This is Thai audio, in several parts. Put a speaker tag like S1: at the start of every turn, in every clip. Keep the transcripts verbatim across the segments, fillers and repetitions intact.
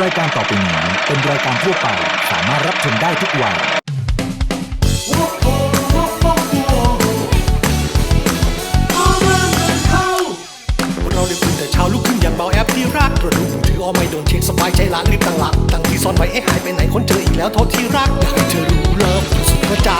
S1: รายการต่อไปนี้เป็นรายการทั่วไปสามารถรับชมได้ทุกวัย
S2: เราได้ตื่นแต่เช้าลุกขึ้นอย่างเบาแอปที่รักตรวจดูมือถือเอาไม่โดนเช็คสบายใจละรีบตั้งหลักตั้งที่ซ่อนไว้ให้หายไปไหนคนเจออีกแล้วโทษที่รักอยากให้เธอรู้เลิฟสุดหัวใจ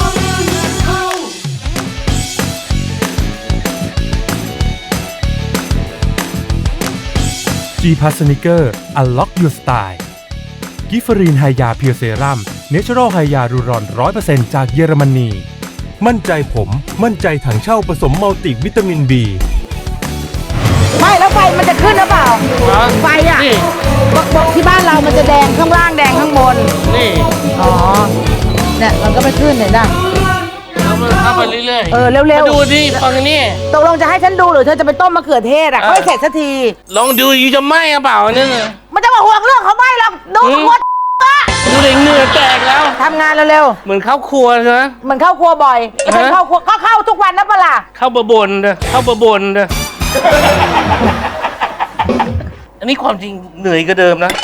S3: G Plus Sneaker Unlock Your Style กิฟฟรีนไฮยาเพียวเซรั่มเนเชอรัลไฮยารูรอน ร้อยเปอร์เซ็นต์ จากเยอรมนี มั่นใจผมมั่นใจถังเช่าผสมมัลติวิตามิน B
S4: ไม่แล้วไฟมันจะขึ้นหรือเปล่าไฟอ่ะบอกบอกที่บ้านเรามันจะแดงข้างล่างแดงข้างบนนี่อ๋อเนี่ยมันก็ไม่ขึ้นเห็นป่ะ
S5: เอามันเข้าไปเรื่อยๆ
S4: เออเร็วๆ
S5: มาดูดิฟังนี่
S4: ตกลงจะให้ฉันดูหรือเธอจะไปต้มมะเขือเทศอ่ะ
S5: เออ
S4: ค่อยเสร็จสักที
S5: ลองดูอยู่จะไหมหรือเปล่าเนี่ย
S4: มันจะมาห่วงเรื่องเขาไม่หรอกดู
S5: อืม
S4: คน
S5: ดูเลยเหงื่อแตกแล้ว
S4: ทำงานเร็ว
S5: เหมือนเข้าครัวใช่ไหม
S4: ๆเหมือนเข้าครัวบ่อยจะเป็น
S5: ฮะ
S4: เข้าครัวก็เข้าทุกวันนะปะล่ะ
S5: เข้าบะบนเด้อเข้าบะบนเด้ออันนี้ความจริงเหนื่อยก็เดิมนะ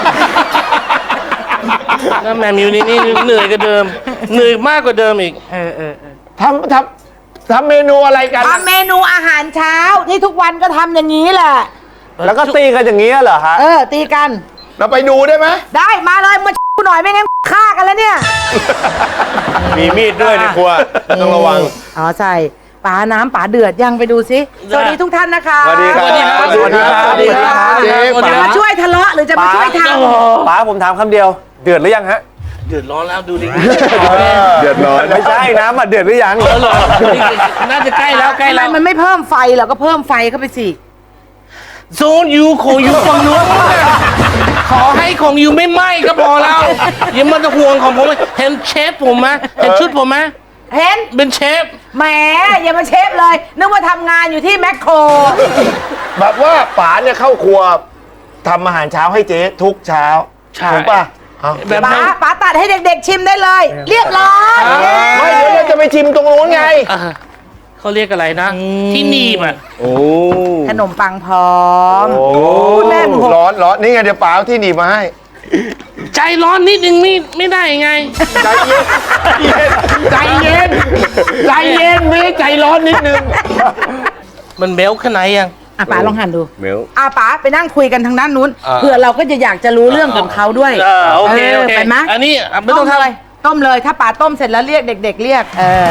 S5: น้าแมมิวนี่นี่เหนื่อยก็เดิม เหนื่อยมากกว่าเดิมอีก
S4: เออเออ
S6: ทำทำทำเมนูอะไรกัน
S4: ทำเมนูอาหารเช้าที่ทุกวันก็ทำอย่างนี้แหละ
S6: แล้วก็ตีกันอย่างนี้เหรอฮะ
S4: เออตีกัน
S6: เราไปดูได้ไหม
S4: ได้มาเลยมากูหน่อยไม่งั้นฆ่ากันแล้วเนี่ย
S6: มีมีดด้วยในครัวต้องระวัง
S4: อ๋อใช่ป๋าน้ำป๋าเดือดยังไปดูสิสวัสดีทุกท่านนะคะ
S6: สวัสดีครับ
S5: สวัสดีครับ
S6: สวัสดีครับ
S5: สวัสดีครับ
S6: เจ๊
S5: สวัสดี
S4: จะ
S5: ครั
S4: มา
S5: บ
S4: ช่วยทะเลาะหรือจะมาช่วยท
S6: ป๋าผมถามคำเดียว เดือดหรือยังฮะ
S5: เดือดร้อนแล้วดูดิ
S6: เดือดร้อนไม่ใช่น้ำอ่ะเดือดหรือยัง
S5: เออเหรอน่าจะใกล้แล้วใกล้
S4: ำทำไม
S5: แล้ว
S4: มันไม่เพิ่มไฟเหรอก็เพิ่มไฟเข้าไปสิ
S5: โซนยูของยูฝั่งนู้นขอให้ของยูไม่ไหม้ก็พอแล้วอย่ามาห่วงของผมเห็นเชฟผมไหมเห็นชุดผมไหม
S4: เห็น
S5: เป็นเชฟ
S4: แหมอย่ามาเชฟเลย นึกว่าทำงานอยู่ที่แมคโคร
S6: แบบว่าป๋าเนี่ยเข้าครัวทำอาหารเช้าให้เจ๊ทุกเช้า
S5: ใช่
S6: ถูกป่ะเอา
S5: แบบ
S4: ป๋า
S5: นั้น
S4: ป๋าตัดให้เด็กๆชิมได้เลย เรียบร้อย
S6: ไม่เดี๋ยวเราจะไปชิมตรงนู้นไง
S5: อ่ะเขาเรียกอะไรนะ ที่หนีบอ่ะ
S6: โอ้
S4: ขนมปังพร้อม
S6: โอ้
S4: แม่ผม
S6: ร้อนร้อนนี่ไงเดี๋ยวป๋าเอาที่หนีบมาให้
S5: ใจร้อนนิดนึงไม่ไม่ได้ไง
S6: ใจเย็นใจเย็นใจเย็นไม่ใจร้อนนิดนึง
S5: มันเบลขนาดไหนยัง
S4: อ่ะป๋าลองหั่นดู
S6: เมล
S4: อ่ะป๋าไปนั่งคุยกันทางด้านนู้น
S5: อ่า
S4: เผื่อเราก็จะอยากจะรู้เรื่องของเขาด้วย
S5: เออโอเคโอเค
S4: ไปไหม
S5: อันนี้อ่ะไม่ต้อง
S4: ต้มเลย
S5: ทำ
S4: ต้มเลยถ้าป๋าต้มเสร็จแล้วเรียกเด็ก ๆ เรียกเออ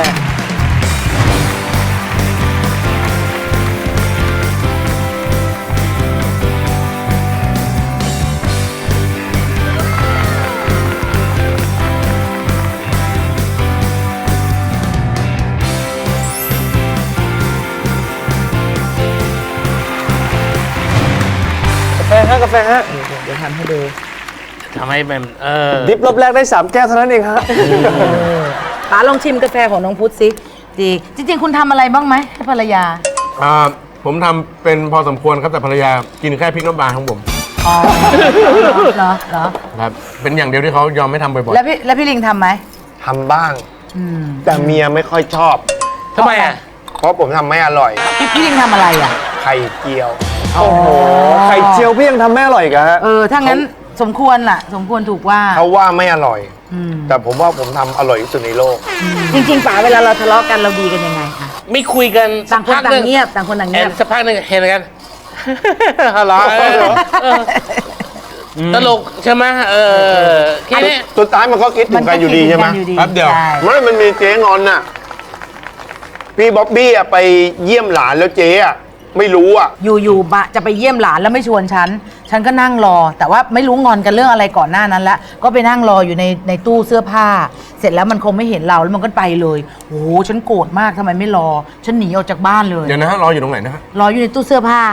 S6: กาแฟฮะกาแฟฮะ
S4: เดี๋ยวทำให้ดู
S5: ทำให้แบบเออ
S6: ดิฟรอบแรกได้สามแก้วเท่านั้นเองฮะ
S4: ป๋าลองชิมกาแฟของน้องพุทธสิดีจริง ๆ คุณทำอะไรบ้างไหมให้ภรรยา
S7: อ่าผมทำเป็นพอสมควรครับแต่ภรรยากินแค่พริกน้ำปลาของผม
S4: อ๋อเหรอเหรอ
S7: ครับเป็นอย่างเดียวที่เขายอมไม่ทำบ่อย
S4: แล้วพี่แล้วพี่ลิงทำไหม
S6: ทำบ้าง
S4: อืม
S6: แต่เมียไม่ค่อยชอบ
S5: ทำไมอ่ะ
S6: เพราะผมทำไม่อร่อย
S4: พี่พี่ลิงทำอะไรอ่ะ
S6: ไข่เจียว
S4: โอ้โห
S6: ไข่เจียวพี่ยังทำไม่อร่อยกันฮะ
S4: เออถ้างั้นสมควรล่ะ สมควรถูกว่า
S6: เขาว่าไม่อร่อย
S4: อืม
S6: แต่ผมว่าผมทำอร่อยที่สุดในโลก
S4: จริงๆป๋าเวลาเราทะเลาะกันเราดีกันยังไงคะ
S5: ไม่คุยกัน
S4: ต่างคนต่างเงียบต่างคนต่าง
S5: แอ
S4: เงีย
S5: น
S4: บ
S5: สักพักหนึ่งเห็นกันฮัลโหลเออตลกใช่ไหมเออแค่นี้
S6: สุดท้ายมันก็คิดถึงกันอยู่ดีใช่ไหม
S7: ๆแป๊บเดียว
S4: ใช่
S6: ไม่มันมีเจ๊งอนน่ะ พี่บ๊อบบี้อะไปเยี่ยมหลานแล้วเจ๊อะไม่รู้อะ
S4: อยู่ๆบะจะไปเยี่ยมหลานแล้วไม่ชวนฉัน ฉันก็นั่งรอ แต่ว่าไม่รู้งอนกันเรื่องอะไรก่อนหน้านั้นแล้วก็ไปนั่งรออยู่ในในตู้เสื้อผ้า เสร็จแล้วมันคงไม่เห็นเราแล้วมันก็ไปเลยโอ้โหฉันโกรธมากทำไมไม่รอ ฉันหนีออกจากบ้านเลย
S7: เดี๋ยวนะฮะรออยู่ตรงไหนนะฮะ
S4: รออยู่ในตู้เสื้อผ้า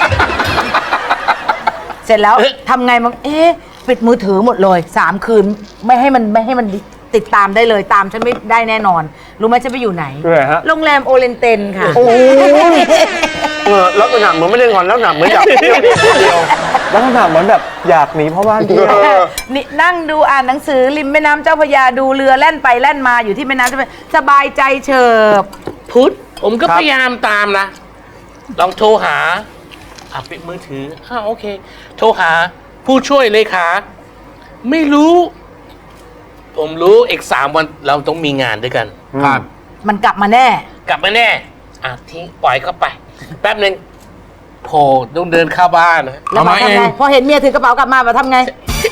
S4: เสร็จแล้วทำไงมันเอ๊ะปิดมือถือหมดเลยสามคืนไม่ให้มันไม่ให้มันติดตามได้เลยตามฉันไม่ได้แน่นอน รู้ไหมฉันไปอยู่ไหน
S6: คืออะไรฮะ
S4: โรงแรมโอเรนเตนค่ะ
S6: โอ้ยเออลักษณะเหมือนไม่ได้งอนลักษณะเหมือนอยากเที่ยวเดียว
S8: ลักษณะเหมือนแบบอยากหนีเพราะว่าที่
S6: เออ
S4: นี่นั่งดูอ่านหนังสือริมแม่น้ำเจ้าพระยาดูเรือแล่นไปแล่นมาอยู่ที่แม่น้ำเจ้าพระยาสบายใจเฉิบ
S5: พุทธผมก็พยายามตามนะ ลองโทรหาอ่ะปิดมือถืออ่าโอเค โทรหาผู้ช่วยเลขา ไม่รู้ ผมรู้อีกสามวันเราต้องมีงานด้วยกัน
S7: ครับ
S4: มันกลับมาแน่
S5: กลับมาแน่ อ่ะทิ้งปล่อยเข้าไป แป๊บหนึ่งโผล่ต้องเดินเข้าบ้านนะ
S4: แล้ว
S7: เอา
S4: มา
S7: มา
S4: ทำไง
S7: เอง
S4: พอเห็นเมียถือกระเป๋ากลับมามาทำไง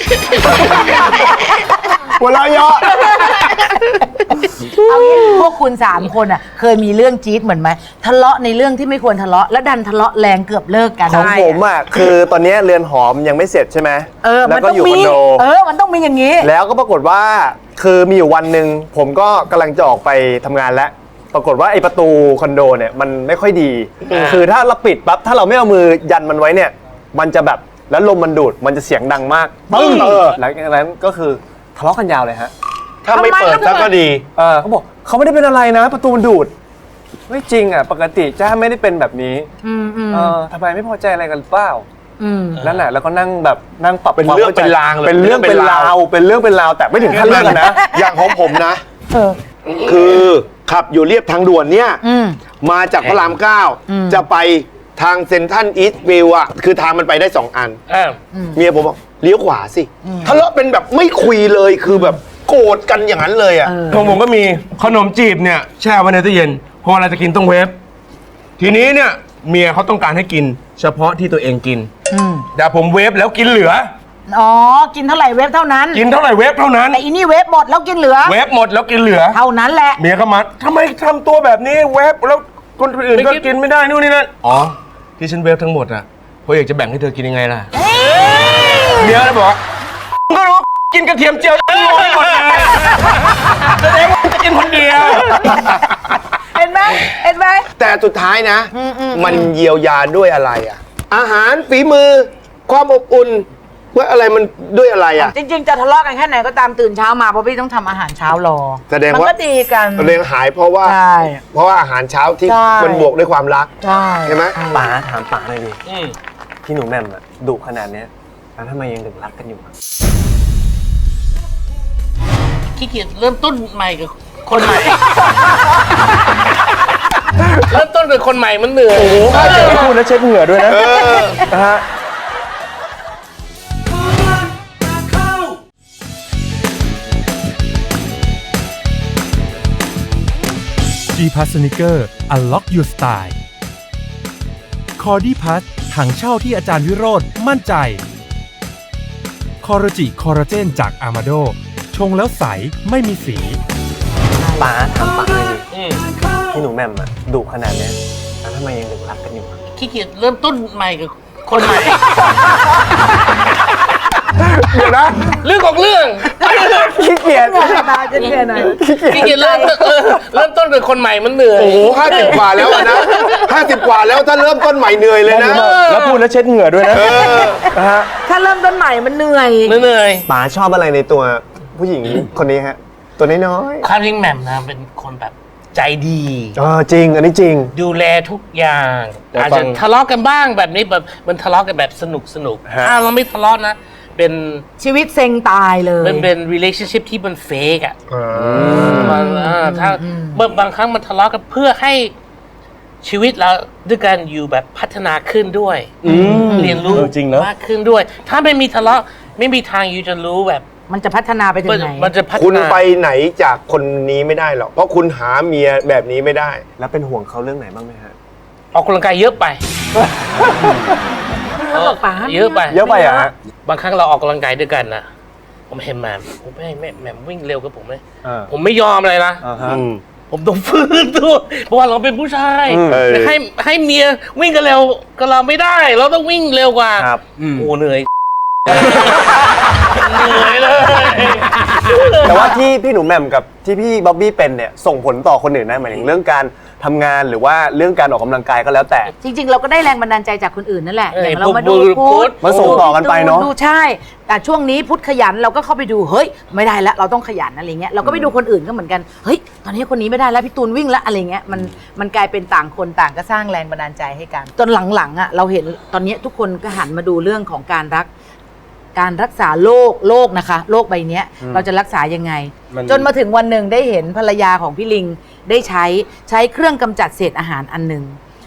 S6: หัวเราะเยาะ
S4: เอางี้พวกคุณสามคนอ่ะ เคยมีเรื่องจี๊ดเหมือนไหมทะเลาะในเรื่องที่ไม่ควรทะเลาะแล้วดันทะเลาะแรงเกือบเลิกกัน
S8: ของผมอ่ะคือตอนนี้เรือนหอมยังไม่เสร็จใช่ไหม
S4: เออ
S8: แล้
S4: มัน
S8: วก็
S4: ต้อง
S8: อยู่ค
S4: มี
S8: อนโด
S4: เออมันต้องมีอย่างนี้
S8: แล้วก็ปรากฏว่าคือมีอยู่วันหนึ่งผมก็กำลังจะออกไปทำงานแล้ว ปรากฏว่าไอ้ประตูคอนโดเนี่ยมันไม่ค่อยดี คือถ้าเราปิดปั๊บถ้าเราไม่เอามือยันมันไว้เนี่ย มันจะแบบแล้วลมมันดูดมันจะเสียงดังมากปึ้งเออหลังจากนั้นก็คือทะเลาะกันยาวเลยฮะ
S6: ถ้าไม่เปิดซะก็ดี
S8: เออเขาบอกเขาไม่ได้เป็นอะไรนะ ประตูมันดูด ไม่จริงอ่ะปกติจ้าไม่ได้เป็นแบบนี้
S4: อืมอืม
S8: เออทำไมไม่พอใจอะไรกันหรือเปล่า
S4: อืม
S8: นั่นแหละแล้วก็นั่งแบบนั่งปรับ
S6: เป็น
S8: ความ
S6: เรื่อง
S8: ข้ใจ
S6: เป็นราวเลย
S8: เป็นเรื่องเป็นราวเป็นเรื่องเป็นราวแต่ไม่ถึงขั้นเลิกกันนะ
S6: อย่างของผมนะ คือขับอยู่เรียบทางด่วนเนี่ย
S4: อืม
S6: มาจากพระรามเก้า
S4: อืม
S6: จะไปทางเซ็นทรัลอีสต์วิวอะคือทางมันไปได้สองอัน
S5: อ่า
S6: เมียผมบอกเลี้ยวขวาสิทะเลาะเป็นแบบไม่คุยเลยคือแบบโกรธกันอย่างนั้นเลยอะ
S7: ของผมก็มีขนมจีบเนี่ยแช่ไว้ในตู้เย็นพอเวลาจะกินต้องเวฟทีนี้เนี่ยเมียเขาต้องการให้กิน เฉพาะที่ตัวเองกิน
S4: อืม
S7: แต่ผมเวฟแล้วกินเหลือ
S4: อ๋อ กินเท่าไหร่เวฟเท่านั้น
S7: กินเท่าไหร่เวฟเท่านั้น
S4: แต่อีนี่เวฟหมดแล้วกินเหลือ
S7: เวฟหมดแล้วกินเหลือ
S4: เท่านั้นแหละ
S7: เมียก็มาทำไมทำตัวแบบนี้เวฟแล้วคนอื่นก็
S5: ไม่กิน
S7: กินไม่ได้นู่นนี่นั่นอ๋อที่ฉันเวฟทั้งหมดอ่ะเพราะอยากจะแบ่งให้เธอกินยังไงล่ะเมียเลยบอกว่าก็รู้กินกระเทียมเจียวทั้งหมดหมดเลยแสดงว่าจะกินคนเดียว
S4: เห็นไหมเห็นไหม
S6: แต่สุดท้ายนะ มันเยียวยาด้วยอะไรอะอาหารฝีมือ ความอบอุ่นว่าอะไรมันด้วยอะไรอะ
S4: จริงๆ จะทะเลาะกันแค่ไหนก็ตามตื่นเช้ามาเพราะพี่ต้องทำอาหารเช้ารอ
S6: แสดง
S4: มัน
S6: ว่า
S4: ก็ดีกัน
S6: เรียงหายเพราะว่า
S4: ใช่
S6: เพราะว่าอาหารเช้าที่
S4: ใช่
S6: มันบวกด้วยความรัก
S4: ใช่
S6: ใช่ไหม
S8: ป๋าถามป๋าหน่อยดิ
S5: อืม
S8: พี่หนูแหม่มอะดุขนาดเนี้ยแล้วทำไมยังถึงรักกันอยู่อะ
S5: ขี้เกียจเริ่มต้นใหม่กับคนใหม่ เริ่มต้นกับคนใหม่มันเหนื่อย
S8: ถ้าเจอพูดแล้วเช็ดเหงื่อด้วยนะนะฮะ
S3: G Pass Sneaker Unlock Your Style คอร์ดี้พัสถังเช่าที่อาจารย์วิโรธมั่นใจคอร์จิคอร์เจนจากอามาโดชงแล้วใสไม่มีสี
S8: ป๋าถามป๋าหน่อยดิ
S5: อืม
S8: พี่หนูแหม่มอะดุขนาดเนี้ยแล้วทำไมยังถึงรักกันอยู่อะ
S5: ขี้เกียจเริ่มต้นใหม่กับคนใหม่
S7: เดี๋ยวนะ
S5: เรื่องของเรื่อง
S8: ขี้เกียจ
S4: ตาจะเกียหน่อย
S5: ขี้เกียจเริ่มต้นเออเริ่มต้นกับคนใหม่มันเหนื่อย
S6: โอ้โหห้าสิบกว่าแล้วอะนะห้าสิบกว่าแล้วถ้าเริ่มต้นใหม่เหนื่อยเลยนะ
S8: แล้วพูดแล้วเช็ดเหงื่อด้วยนะนะฮะ
S4: ถ้าเริ่มต้นใหม่มันเหนื่อย
S5: เหนื่อย
S8: ป๋าชอบอะไรในตัวผู้หญิงคนนี้ฮะ ตัวน้อย
S5: ความจริงแหม่มนะเป็นคนแบบใจดี
S8: ๆเออจริง อันนี้จริง
S5: ดูแลทุกอย่าง
S8: เดี๋ยว
S5: อาจ
S8: ฟั
S5: จะ
S8: ง
S5: ทะเลาะกันบ้างแบบนี้แบบมันทะเลาะกันแบบสนุกสนุก
S8: ฮะ
S5: ถ้าเราไม่ทะเลาะนะ เป็น
S4: ชีวิตเซ็งตายเลย
S5: เป็นเป็น relationship ที่มันเฟกอ่ะมันอ่าถ้าบางบางครั้งมันทะเลาะกันเพื่อให้ชีวิตเราด้วยกันอยู่แบบพัฒนาขึ้นด้วยเรียนรู้
S8: เออจริงเนอะ
S5: มากขึ้นด้วย ถ้าไม่มีทะเลาะไม่มีทางอยู่จะรู้แบบ
S4: มันจะพัฒนาไปถึ
S5: มัน
S4: งไหน
S5: มันจะพัฒนา
S6: คุณไปไหนจากคนนี้ไม่ได้หรอกเพราะคุณหาเมียแบบนี้ไม่ได้
S8: แล้วเป็นห่วงเขาเรื่องไหนบ้างไหมฮะ
S5: ออกกำลังกายเยอะไป
S4: เขาบอกป๋า
S5: เยอะไป
S8: เยอะไปอ่ะฮะ
S5: บางครั้งเราออกกำลังกายด้วยกันนะผมเห็นแหม่มผมไม่แม่แหม่มวิ่งเร็วกับผมเลย
S8: อ่า
S5: ผมไม่ยอมเลยนะ
S8: อ่าฮะ
S5: ผมต้องฟื้นตัวเพราะว่าเราเป็นผู้ชาย
S8: อืม
S5: แต่ให้ให้เมียวิ่งกันเร็วกับเราไม่ได้ เราต้องวิ่งเร็วกว่า
S8: ครับ
S5: โอ้เหนื่อย เหนื่อยเลย
S8: แต่ว่าที่พี่หนูแหม่มกับที่พี่บ๊อบบี้เป็นเนี่ยส่งผลต่อคนอื่นนะหมายถึงเรื่องการทำงานหรือว่าเรื่องการออกกำลังกายก็แล้วแต่
S4: จริง ๆ เราก็ได้แรงบันดาลใจจากคนอื่นนั่นแหละ
S5: เออ
S4: อย่างเรามาดู
S5: พวก
S4: พุทธ
S8: มาส่งต่อกันไปเนอะ
S4: ดูใช่ แต่ช่วงนี้พุทธขยันเราก็เข้าไปดูเฮ้ยไม่ได้แล้วเราต้องขยันอะไรเงี้ยเราก็ไปดูคนอื่นก็เหมือนกันเฮ้ยตอนนี้คนนี้ไม่ได้แล้วพี่ตูนวิ่งแล้วอะไรเงี้ยมันมันกลายเป็นต่างคนต่างก็สร้างแรงบันดาลใจให้กันจนหลังๆอ่ะเราเห็นตอนนี้ทุกคนก็หันมาดูเรื่องของการรัก การรักษาโรคโรคนะคะโรคใบเนี้ยเราจะรักษายังไง
S8: มัน
S4: จนมาถึงวันหนึ่งได้เห็นภรรยาของพี่ลิงได้ใช้ใช้เครื่องกำจัดเศษอาหารอันหนึ่ง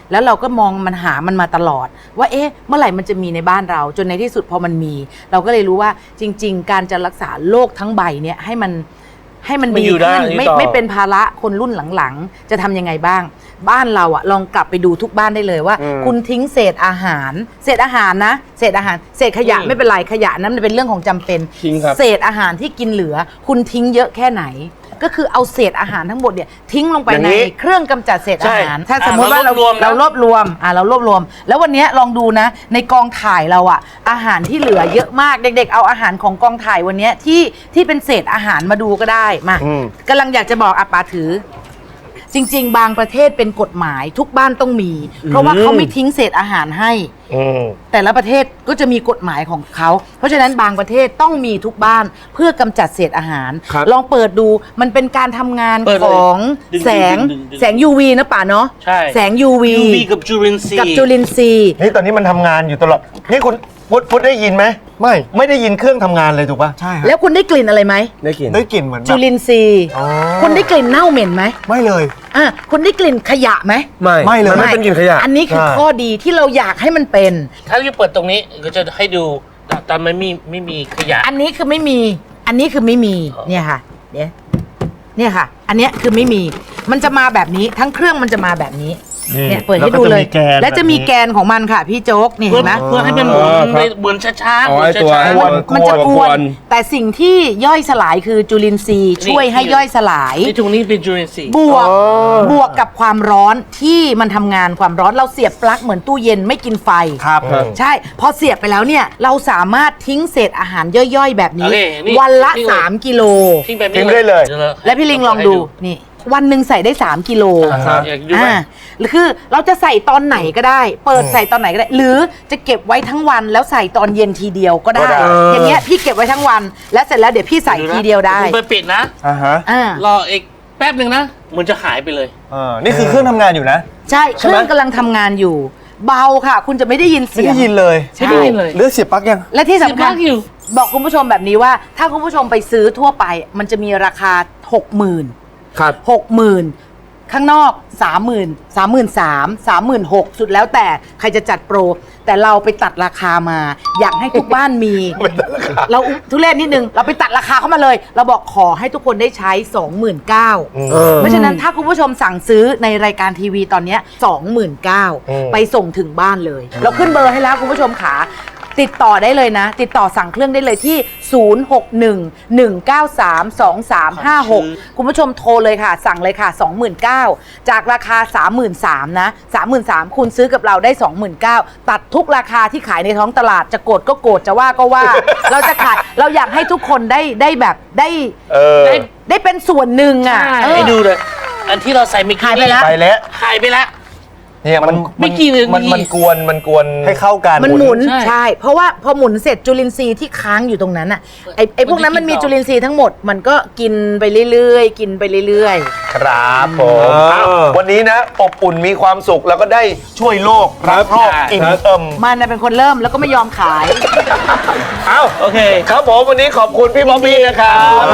S4: แล้วเราก็มองมันหามันมาตลอด ว่าเอ๊ะเมื่อไหร่มันจะมีในบ้านเรา จนในที่สุดพอมันมี เราก็เลยรู้ว่าจริง ๆ การจะรักษาโรคทั้งใบเนี่ยให้มันให้มัน
S5: มัน
S4: ดี
S5: อยู่ได้
S4: ขึ้น
S5: อยู่
S4: ไม่
S5: ต่อ
S4: ไม่เป็นภาระคนรุ่นหลังๆ จะทำยังไงบ้าง บ้านเราอะลองกลับไปดูทุกบ้านได้เลยว่า คุณทิ้งเศษอาหาร เศษอาหารนะเศษอาหารเศษขยะไม่เป็นไรขยะนั้นมันเป็นเรื่องของจำเป็น
S7: ทิ้งครับ
S4: เศษอาหารที่กินเหลือ คุณทิ้งเยอะแค่ไหน ก็คือเอาเศษอาหารทั้งหมดเนี่ยทิ้งลงไป
S6: อย่าง
S4: ใน
S6: นี้
S4: เครื่องกำจัดเศษอาหาร
S5: ใช่
S4: ถ้าสมมติว่าเรา
S5: อ่ะเรารวบรวมนะ
S4: เรารวบรวมอ่ะเรารวบรวม แล้ววันเนี้ยลองดูนะ ในกองถ่ายเราอะอาหารที่เหลือเยอะมากเด็กๆ เอาอาหารของกองถ่ายวันเนี้ยที่ที่เป็นเศษอาหารมาดูก็ได้มา
S6: อืม
S4: กำลังอยากจะบอกอาปาถือ จริง ๆ บางประเทศเป็นกฎหมายทุกบ้านต้องมี เพราะว่าเขาไม่ทิ้งเศษอาหารให้
S6: อืม
S4: แต่ละประเทศก็จะมีกฎหมายของเขา เพราะฉะนั้นบางประเทศต้องมีทุกบ้านเพื่อกำจัดเศษอาหาร
S7: ครับ
S4: ลองเปิดดูมันเป็นการทำงาน
S5: เปิดเลย
S4: ของ
S5: ดึงๆ
S4: แสง
S5: ดึงๆ
S4: แสง ยู วี นะป่าเนาะ
S5: ใช่
S4: แสง ยู วี
S5: ยู วี กับจุลินทรีย์
S4: กับจุลินทรีย์
S8: นี่ตอนนี้มันทำงานอยู่ตลอด นี่คุณพุทธพุทธได้ยินไหม ไม่ ไม่ได้ยินเครื่องทำงานเลยถูกป่ะ ใช่
S4: แล้วคุณได้กลิ่นอะไรไหม
S7: ได้กิน
S8: ได้กลิ่นเหมือนแบ
S4: จุ
S8: บ
S4: ลินทรีย์
S8: อ๋อ
S4: คุณได้กลิ่นเน่าเหม็นไหม
S8: ไม่เลย
S4: อ่ะคุณได้กลิ่นขยะไหม
S7: ไม่
S8: ไม่เลย
S7: มันไม่เป็นกลิ่นขยะ
S4: อันนี้คือ
S8: ใช่
S4: ข้อดีที่เราอยากให้มันเป็น
S5: ถ้าจะเปิดตรงนี้ก็จะให้ดูแต่ไม่มีไม่มีขยะ
S4: อันนี้คือไม่มี อันนี้คือไม่มี
S5: อ๋อ
S4: เนี่ยค่ะ เนี่ยเนี่ยค่ะ อันเนี้ยคือไม่มี มันจะมาแบบนี้ ทั้งเครื่องมันจะมาแบบนี้ เนี่ยเปิดให้ดูเลย และจะมีแกนของมันค่ะพี่โจ๊ก นี่
S5: เพื่
S4: เห็
S5: อน
S4: ไหม
S5: เพื่อให้มันหมุน
S7: อ๋อครับ
S5: หมุนช้าๆ
S7: อ๋
S5: ห
S7: อ
S5: มุน
S7: ไอ้ตัว
S5: ช้า
S7: อ้วน
S4: มันจะก
S7: ก
S4: ว
S7: วน น
S4: แต่สิ่งที่ย่อยสลายคือจุลินทรีย์ ช่วยให้ย่อยสลาย
S5: ๆในตรงนี้เป็นจุลินทรีย์
S4: บวกบวกกับความร้อนที่มันทำงานความร้อนเราเสียบปลั๊กเหมือนตู้เย็นไม่กินไฟ
S8: ครับ
S4: ใช่ พอเสียบไปแล้วเนี่ย เราสามารถทิ้งเศษอาหารย่อยๆ แบบนี้
S5: โอเคนี่
S4: วันละ
S5: ทิ้งเลย
S4: สามกิโล
S5: ทิ้งแบบ
S8: ทิ้
S5: นี้
S8: งได้เลย
S5: ดี๋วรา
S4: และพี่ลิงลองดูนี่ วันหนึ่งใส่ได้ สามกิโล
S5: อ่าฮะอยากดูไหม
S4: อ่าคือเราจะใส่ตอนไหนก็ได้ เปิดใส่ตอนไหนก็ได้ หรือจะเก็บไว้ทั้งวันแล้วใส่ตอนเย็นทีเดียวก็ได้
S8: ก็ได้
S4: อย่างเงี้ยพี่เก็บไว้ทั้งวัน แล้วเสร็จแล้วเดี๋ยวพี่ใส่ทีเดียวได้
S5: คุณไปปิดนะ
S8: อ่าฮะ
S4: อ่าร
S5: ออีกแป๊บหนึ่งนะ มันจะหายไปเลย
S8: อ่านี่คือเครื่องทำงานอยู่นะ
S4: ใช่เครื่องกำลังทำงานอยู่ เบาค่ะ คุณจะไม่ได้ยิน
S8: ไม่
S4: เสีย
S8: ได้
S4: ง
S8: ยินเลย
S4: ใช่
S5: ไม่ได้ยินเลย
S8: เลือดเสียบปลั๊กยัง
S4: และที่สำคัญ
S5: เสียบปลั๊กอยู่
S4: บอกคุณผู้ชมแบบนี้ว่า ถ้าคุณผู้ชมไปซื้อทั่วไป มันจะมีราคา หกหมื่น
S7: ครับ
S4: หกหมื่นข้างนอก สามหมื่น สามหมื่นสาม สามหมื่นหก สุดแล้วแต่ใครจะจัดโปร แต่เราไปตัดราคามา อยากให้ทุกบ้านมี เราทุเรศนิดนึง เราไปตัดราคาเข้ามาเลย เราบอกขอให้ทุกคนได้ใช้ สองหมื่นเก้าพัน เพราะฉะนั้นถ้าคุณผู้ชมสั่งซื้อในรายการทีวีตอนเนี้ย สองหมื่นเก้าพัน ไปส่งถึงบ้านเลย เราขึ้นเบอร์ให้แล้วคุณผู้ชมขาติดต่อได้เลยนะ ติดต่อสั่งเครื่องได้เลยที่ ศูนย์ หก หนึ่ง หนึ่ง เก้า สาม สอง สาม ห้า หก คุณผู้ชมโทรเลยค่ะ สั่งเลยค่ะ สองหมื่นเก้าพัน จากราคา สามหมื่นสามพัน นะ สามหมื่นสามพัน คุณซื้อกับเราได้ สองหมื่นเก้าพัน ตัดทุกราคาที่ขายในท้องตลาดจะโกรธก็โกรธจะว่าก็ว่า เราจะขายเราอยากให้ทุกคนได้ได้แบบได้
S8: เออ
S5: ได้
S4: ได้เป็นส่วนหนึ่งอ่ะเออ
S5: ให้ดูเลย อันที่เราใส่เมื่อกี้
S4: หายไปแล้ว
S8: ไปแล้ว
S5: หายไปแล้ว
S8: เนี่ยมัน
S5: ไม่กี่นาที
S8: มันมันกวนมันกวนให้เข้ากัน
S4: มันหมุน
S5: ใช่
S4: ใช่ เพราะว่าพอหมุนเสร็จจุลินทรีย์ที่ค้างอยู่ตรงนั้นอ่ะไอไอพวกนั้นมันมีจุลินทรีย์ทั้งหมดมันก็กินไปเรื่อยๆ กินไปเรื่อยๆ
S6: ครับผม
S8: เออ
S6: เอ้าวันนี้นะ อบอุ่นมีความสุขแล้วก็ได้ช่วยโลกรักโลกอิ่มเอิม
S4: มันน่ะเป็นคนเริ่มแล้วก็ไม่ยอมขาย
S6: เอ้า
S5: โอเค
S6: ครับผมวันนี้ขอบคุณพี่บ๊อบบี้นะครับ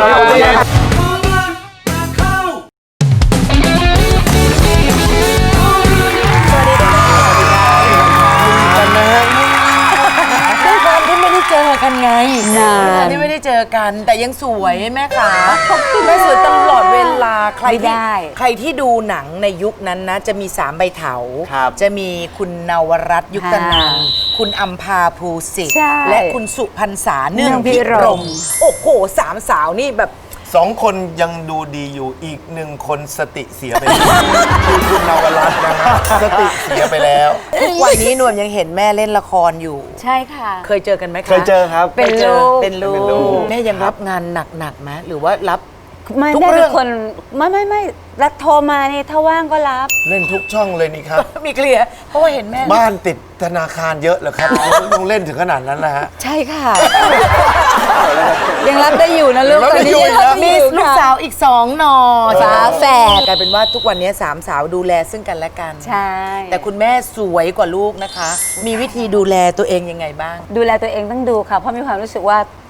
S4: ด้วยความที่ไม่ได้เจอกันไงนานที่ไม่ได้เจอกัน แต่ยังสวยแม่ขาแม่สวยตลอดเวลาใครที่ใครที่ดูหนังในยุคนั้นนะ จะมีสามใบเถา
S8: ครับ
S4: จะมีคุณนวรัตน์ยุคตนันท์คุณอัมพาภูสิทธิ์
S9: ใช่
S4: และคุณสุพรรษาเนื่อง
S9: เนื่องพิ
S4: พิ
S9: ร
S4: ร
S9: ม
S4: มโอ้โหสามสาวนี่แบบ
S6: สองคนยังดูดีอยู่อีกหนึ่งคนสติเสียไปแล้วคือคุณนวรัตน์นะฮะสติเสียไปแล้ว
S4: ทุกวันนี้นวมยังเห็นแม่เล่นละครอยู่
S9: ใช่ค่ะ
S4: เคยเจอกันไหมคะ
S8: เคยเจอครับ
S9: เป็น
S4: คยจอ
S9: ลูก
S4: เป็นลู
S8: เป็นลูก
S4: กแม่ยังรับงานหนักๆไหมหรือว่ารับ
S9: ไม่
S4: ทุก
S9: แม่
S4: เรื่
S9: เป็
S4: อง
S9: นคนไม่ไม่ไม่รักโทรมานี่ถ้าว่างก็รับ
S6: เล่นทุกช่องเลยนี่ครับ
S4: มีเคลียร์เพราะว่าเห็นแม่
S6: บ้านติดธนาคารเยอะเหรอครับต้องเล่นถึงขนาดนั้นนะฮะ
S9: ใช่ค่ะ ยังรับได้อยู่นะลูก
S6: รับ
S9: ต
S6: ได้
S9: อนนี้
S6: อยู่
S9: ยังรับ
S6: นะ
S9: ได้
S4: มี
S9: อยู่
S4: ลูก
S9: ค่ะ
S4: สาวอีกสองหนอ
S9: ฝาแฝด
S4: กลายเป็นว่าทุกวันนี้สามสาวดูแลซึ่งกันและกัน
S9: ใช่
S4: แต่คุณแม่สวยกว่าลูกนะคะ มีวิธีดูแลตัวเองยังไงบ้าง
S9: ดูแลตัวเองต้องดูค่ะ เพราะมีความรู้สึกว่า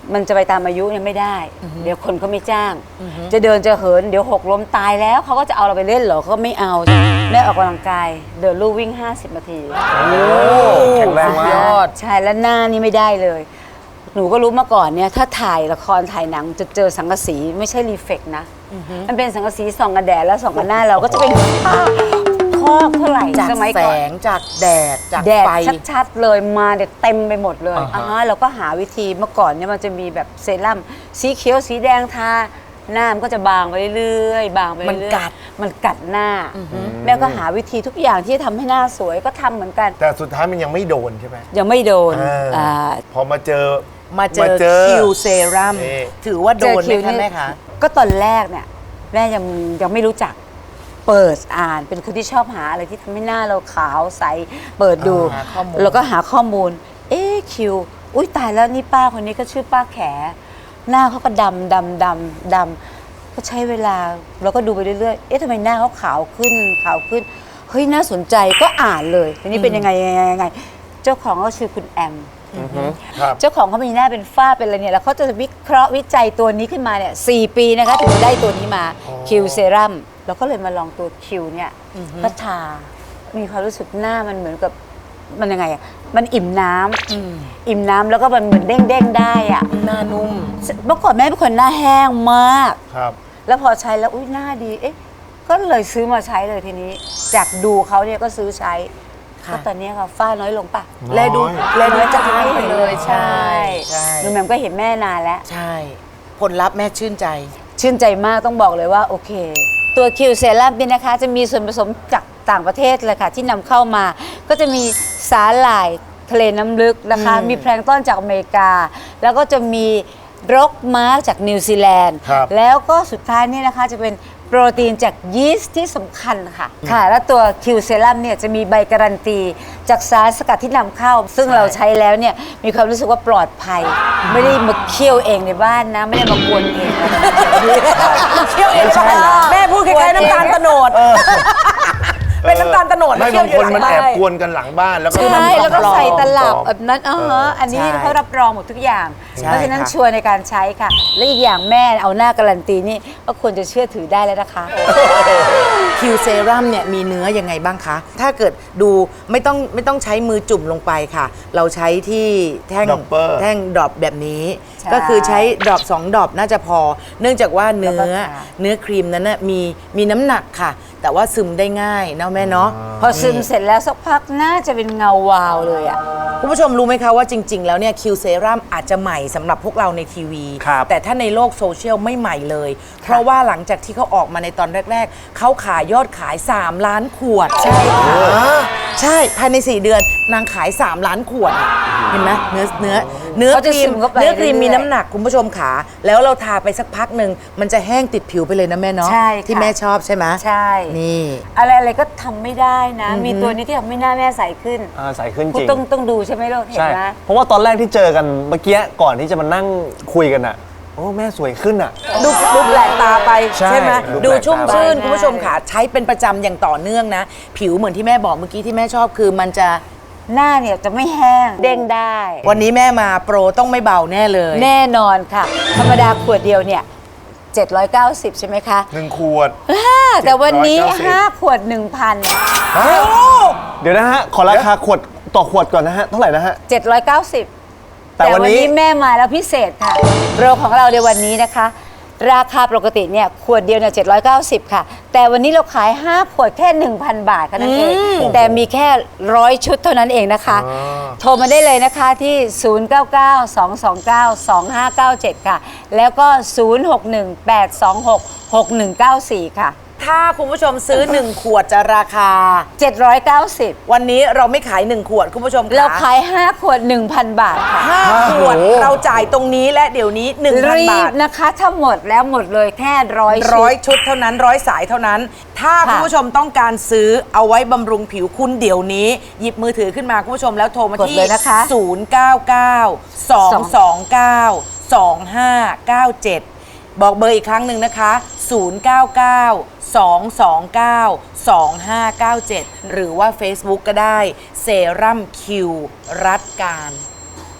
S9: มันจะไปตามอายุเนี่ยไม่ได้ เดี๋ยวคนเขาไม่จ้าง จะเดินจะเหินเดี๋ยวหกล้มตายแล้วเขาก็จะเอาเราไปเล่นเหรอเขาก็ไม่เอาแม่ออกกำลังกายเดินลู่วิ่งห้าสิบนาที
S8: แข็งแรงมาก
S4: ยอด
S9: ใช่แล้วหน้านี่ไม่ได้เลย หนูก็รู้มาก่อนเนี่ยถ้าถ่ายละครถ่ายหนังจะเจอสังกะสีไม่ใช่รีเฟกนะมันเป็นสังกะสีส่องกันแดดแล้วส่องกันหน้าเราก็จะเป็นผ้าคอกเท่าไหร่
S4: จาก
S9: สมัย
S4: แส
S9: ก่อน
S4: งจากแดดจาก
S9: แดด
S4: ไฟ
S9: ชัดๆเลยมาเด็ดเต็มไปหมดเลย
S7: อ่าฮะ
S9: อ่าเราก็หาวิธีเมื่อก่อนเนี่ยมันจะมีแบบเซรั่มสีเขียวสีแดงทาหน้ามันก็จะบางไปเรื่อยๆบางไปเรื่อยๆ
S4: มันกัด
S9: มันกัดหน้าแม่ก็หาวิธีทุกอย่างที่จะทำให้หน้าสวยก็ทำเหมือนกัน
S6: แต่สุดท้ายมันยังไม่โดนใช่ไหม
S9: ยังไม่โดน
S6: อ่า
S9: อ่า
S6: พอมาเจอ
S4: มาเจ
S6: มา
S4: อ
S6: เจอ
S4: คิวเซรั่ม
S6: นี่
S4: ถือว่าโดนไหม
S9: เจอคิว
S4: คะ
S9: นี่
S4: แม่คะ
S9: ก็ตอนแรกเนี่ยแม่ยังยังไม่รู้จักเปิดอ่านเป็นคนที่ชอบหาอะไรที่ทำให้หน้าเราขาวใสเปิดดู
S4: หาข้อมูล
S9: แล้วก็หาข้อมูล เอ๊ะคิวอุ้ยตายแล้วนี่ป้าคนนี้ก็ชื่อป้าแข หน้าเขาก็ดำดำดำดำก็ใช้เวลาเราก็ดูไปเรื่อยๆเอ๊ะทำไมหน้าเขาขาวขึ้นขาวขึ้นเฮ้ยน่าสนใจก็อ่านเลยทีนี้เป็นยังไงยังไงยังไงเจ้าของก็ชื่อคุณแอม
S6: ครับ
S9: เจ้าของเขามีหน้าเป็นฝ้าเป็นอะไรเนี่ยแล้วเขาจะวิเคราะห์วิจัยตัวนี้ขึ้นมาเนี่ยสี่ปีนะคะถึงได้ตัวนี้มาคิวเซรั่มเราก็เลยมาลองตัวคิวเนี่ยก็ทา มีความรู้สึกหน้ามันเหมือนกับมันยังไงอ่ะมันอิ่มน้ำอิ่มน้ำแล้วก็มันเหมือนเด้งเด้งๆได้อ่ะ
S4: หน้านุ่ม
S9: เมื่อก่อนแม่เป็นคนหน้าแห้งมาก
S6: ครับ
S9: แล้วพอใช้แล้วอุ้ยหน้าดีเอ๊ะก็เลยซื้อมาใช้เลยทีนี้ จากดูเขาเนี่ยก็ซื้อใช้
S4: ค่ะ
S9: ก็ตอนนี้ค่ะฝ้าน้อยลงปะ
S4: แลดูแลดู
S9: น้อย
S4: จา
S9: จาง
S4: ไปเลยใช่
S9: ใช่
S4: ใช่
S9: หนูแหม่มก็เห็นแม่นานแล้ว
S4: ใช่ ผลลัพธ์แม่ชื่นใจ
S9: ชื่นใจมากต้องบอกเลยว่าโอเค ตัวคิวเซรั่มนี่นะคะ จะมีส่วนผสมจากต่างประเทศเลยค่ะ ที่นำเข้ามา ก็จะมีสาหร่ายทะเลน้ำลึกนะคะ
S4: อืม
S9: มีแพลงก์ต้นจากอเมริกา แล้วก็จะมีรกม้าจากนิวซีแลนด์
S6: ครับ
S9: แล้วก็สุดท้ายนี่นะคะจะเป็นโปรตีนจากยีสต์ที่สำคัญค่ะ ค่ะ แล้วตัวคิวเซรั่มเนี่ยจะมีใบการันตี จากสารสกัดที่นำเข้า ซึ่งเราใช้แล้วเนี่ยมีความรู้สึกว่าปลอดภัย ไม่ได้มาเคี่ยวเองในบ้านนะ ไม่ได้มากวนเอง
S4: เคี่ยวเองใช่แม่พูดคล้ายๆน้ำตาลตะโนดเป็นน้ำตาลตะโนด
S6: ไม่
S4: เคี่ย
S6: บาว งคนมัน
S4: เย
S6: แอบ
S4: อะ
S6: กวนกันหลังบ้านแล้วก็
S9: ใช่แล้วก็ใส่ตลับ
S6: ปลอม
S9: แบบนั้นอ๋อฮะอันนี้
S4: ใช่
S9: เขารับรองหมดทุกอย่าง
S4: ใช่
S9: เพราะฉะนั้น
S4: ค่ะ
S9: ชัวร์ในการใช้ค่ะ และอีกอย่างแม่เอาหน้าการันตีนี่ก็ควรจะเชื่อถือได้แล้วนะคะ
S4: คิวเซรั่มเนี่ยมีเนื้อยังไงบ้างคะ ถ้าเกิดดูไม่ต้องไม่ต้องใช้มือจุ่มลงไปค่ะ เราใช้ที่แท่ง
S6: Dropper
S4: แท่งดรอปแบบนี้
S9: ใช่
S4: ก็คือใช้ดรอปสองดรอปน่าจะพอ เนื่องจากว่าเนื้
S9: แล้ว
S4: อ
S9: ก็ทา
S4: เนื้อครีมนั้นน่ะมีมีน้ำหนักค่ะ แต่ว่าซึมได้ง่ายเนาะแม่เนาะ
S9: พอซึมเสร็จแล้วสักพักน่าจะเป็นเงาวาวเลยอ่ะ
S4: คุณผู้ชมรู้ไหมคะว่าจริง ๆ แล้วเนี่ยคิวเซรั่มอาจจะใหม่สำหรับพวกเราในทีวี
S8: ครับ
S4: แต่ถ้าในโลกโซเชียลไม่ใหม่เลย เพราะว่าหลังจากที่เขาออกมาในตอนแรก ๆ เขาขายยอดขาย 3 ล้านขวด ใช่ค่ะใช่ภายใน 4 เดือนนางขาย 3 ล้านขวดอะเห็นไหมเนื้อเนื้อเนื้อ
S9: เขา
S4: ค
S9: จะ
S4: รี
S9: ซึ
S4: ม
S9: มเข้าไป
S4: เนื้อครีม
S9: เรื่อยๆ
S4: มีน้ำหนักคุณผู้ชมขาแล้วเราทาไปสักพักหนึ่งมันจะแห้งติดผิวไปเลยนะแม่เนาะ
S9: ใช่ค่ะ
S4: ที่แม่ชอบใช่ไหม
S9: ใช่
S4: นี่
S9: อะไรอะไรก็ทำไม่ได้นะ มีตัวนี้ที่ทำให้หน้าแม่ใสขึ้น
S8: อ่าใส่ขึ้นจ
S9: คุณ
S8: ริง
S9: ต้องต้องดูใช่ไหมลูกเห็น
S8: ใช่
S9: ไหม
S8: เพราะว่าตอนแรกที่เจอกันเมื่อกี้ก่อนที่จะมานั่งคุยกันอ่ะ โอ้แม่สวยขึ้นอ่ะ
S4: ดูดูแปลกตาไป
S8: ใช่
S4: ใช่ไหม
S8: ดู
S4: ดู
S8: แปลกตา
S4: ชุ่มชื่น
S9: ไป
S4: คุณผู้ชมค่ะใช้เป็นประจำอย่างต่อเนื่องนะ ผิวเหมือนที่แม่บอกเมื่อกี้ที่แม่ชอบคือมันจะ
S9: หน้าเนี่ยจะไม่แห้งเด้งได้
S4: วันนี้แม่มาโปรต้องไม่เบาแน่เลย
S9: แน่นอนค่ะ ธรรมดาขวดเดียวเนี่ยเจ็ดร้อยเก้าสิบใช่ไหมคะ
S6: หนึ่งขวด
S9: แต่วันนี้
S6: เจ็ดร้อยเก้าสิบ
S9: ห้าขวด หนึ่งพัน
S8: เดี๋ยวนะฮะ ขอราคาขวดต่อขวดก่อนนะฮะ เท่าไหร่นะฮะ
S9: เจ็ดร้อยเก้าสิบ
S8: แต่
S9: แต่
S8: วั
S9: วัน น
S8: นี้
S9: นี้แม่มาแล้วพิเศษค่ะโปรของเราในวันนี้นะคะ ราคาปกติเนี่ยขวดเดียวเนี่ยเจ็ดร้อยเก้าสิบค่ะ แต่วันนี้เราขาย ห้า ขวดแค่ หนึ่งพัน บาทแค่นั้นเอง แต่มีแค่ร้อยชุดเท่านั้นเองนะคะ โทรมาได้เลยนะคะที่ ศูนย์ เก้า เก้า สอง สอง เก้า สอง ห้า เก้า เจ็ด ค่ะ แล้วก็ ศูนย์ หก หนึ่ง แปด สอง หก หก หนึ่ง เก้า สี่ ค่ะ
S4: ถ้าคุณผู้ชมซื้อ หนึ่ง ขวดจะราคา
S9: เจ็ดร้อยเก้าสิบ
S4: วันนี้เราไม่ขาย หนึ่ง ขวดคุณผู้ชมค่ะ
S9: เราขาย ห้า ขวด หนึ่งพัน บาทค่ะ
S4: ห้าขวดเราจ่ายตรงนี้และเดี๋ยวนี้ หนึ่งพัน
S9: รี
S4: บา
S9: บ
S4: ท
S9: นะคะถ้าหมดแล้วหมดเลยแค่ร้อยชุด
S4: ร้อยชุดเท่านั้นร้อยสายเท่านั้น ถ้า
S9: ค่ะ
S4: คุณผู้ชมต้องการซื้อเอาไว้บำรุงผิวคุณเดี๋ยวนี้ หยิบมือถือขึ้นมาคุณผู้ชมแล้วโทรมาก
S9: ด
S4: ที่
S9: เลยนะคะ
S4: ศูนย์ เก้า เก้า สอง สอง เก้า สอง ห้า เก้า เจ็ด บอกเบอร์อีกครั้งหนึ่งนะคะ ศูนย์ เก้า เก้า สอง สอง เก้า สอง ห้า เก้า เจ็ด หรือว่า Facebook ก็ได้เซรั่มคิวรัดการ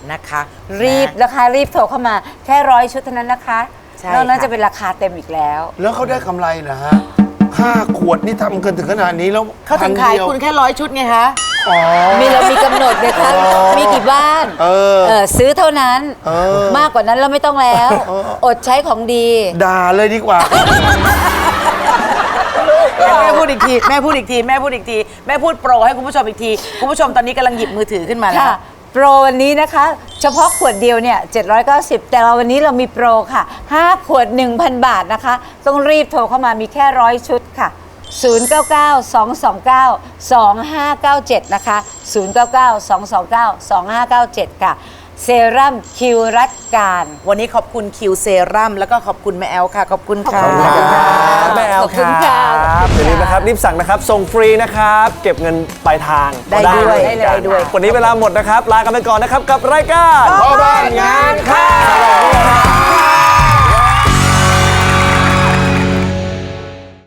S4: นะคะ
S9: รีบ
S4: นะ
S9: ราคารีบโทรเข้ามาแค่ร้อยชุดเท่านั้นนะคะ
S4: ใช่
S9: นอกนั้น
S4: ค่ะ
S9: จะเป็นราคาเต็มอีกแล้ว
S6: แล้วเขาได้กำไรเหรอฮะห้าขวดนี่ทำกันถึงขนาดนี้แล้ว
S4: เขาถึงขายคุณแค่ร้อยชุดไงคะ
S6: อ๋อ
S9: มีเรามีกำหนดเลยค่ะ
S6: อ๋อ
S9: มีกี่บ้าน
S6: เออ
S9: เออซื้อเท่านั้น
S6: เออ
S9: มากกว่านั้นเราไม่ต้องแล้ว อดใช้ของดี
S6: ด่าเลยดีกว่า
S4: แม่พูดอีกทีแม่พูดอีกทีแม่พูดอีกทีแม่พูดโปรให้คุณผู้ชมอีกทีคุณผู้ชมตอนนี้กำลังหยิบมือถือขึ้นมาแล้ว
S9: ค่ะ โปรวันนี้นะคะ เฉพาะขวดเดียวเนี่ยเจ็ดร้อยเก้าสิบแต่เราวันนี้เรามีโปรค่ะห้าขวด หนึ่งพัน บาทนะคะ ต้องรีบโทรเข้ามามีแค่ร้อยชุดค่ะ ศูนย์ เก้า เก้า สอง สอง เก้า สอง ห้า เก้า เจ็ด นะคะ ศูนย์ เก้า เก้า สอง สอง เก้า สอง ห้า เก้า เจ็ด ค่ะ เซรั่มคิวรัดการ
S4: วันนี้ขอบคุณคิวเซรั่มแล้วก็ขอบคุณแม่แอลค่ะ ขอบคุณค่ะ
S8: แม่แอล
S9: ขอบ
S8: ค
S9: คุณ
S8: รั
S9: ค่ะ
S8: บอย่าลืมนะครับรีบสั่งนะครับส่งฟรีนะครับ เก็บเงินปลายทาง
S4: ได้ด้วย
S8: เหมือนกัน
S4: ได้ด้วย
S8: วันนี้เวลาหมดนะครับ ลากันไปก่อนนะครับกับรายการ
S6: พ่อบ้านงานเข้า